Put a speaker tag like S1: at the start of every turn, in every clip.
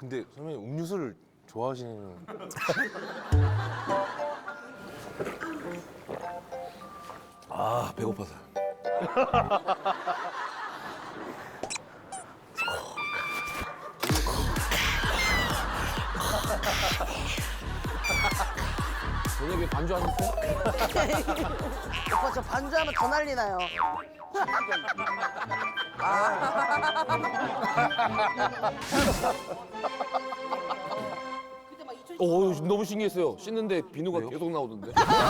S1: 근데 선배님 음료수를 좋아하시는.
S2: 아 배고파서. 저녁에 반주 하셨어요?
S3: 오빠 저 반주하면 더 난리 나요.
S2: 너무 신기했어요. 씻는데 비누가 계속 나오던데.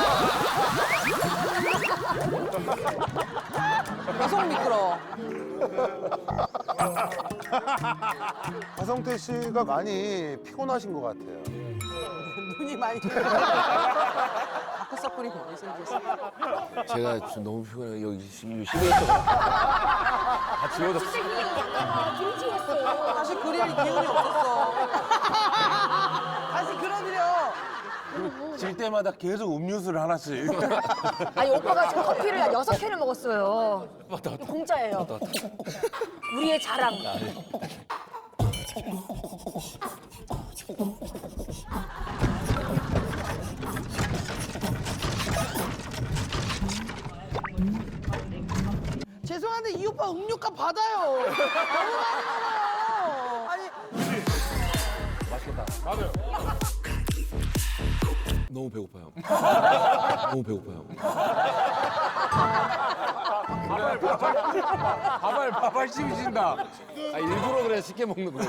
S3: 계속 미끄러워.
S1: 하성태 씨가 많이 피곤하신 것 같아요.
S3: 눈이 많이. 다크서클이 너무 생겼어.
S2: 제가 지금 너무 피곤해요. 여기 심해서 다 지워졌어.
S3: 다시 그릴 기운이 없었어. 다시 그려드려.
S1: 질 때마다 계속 음료수를 하나씩.
S4: 아니 오빠가 지금 커피를 6캔을 먹었어요. 공짜예요. 우리의 자랑.
S3: 죄송한데 이 오빠 음료값 받아요. 너무 많이 먹어요. 아니
S2: 너무 배고파요. 너무 배고파요.
S1: 바발 씹으신다.
S2: 아 일부러 그래 쉽게 먹는 거예요.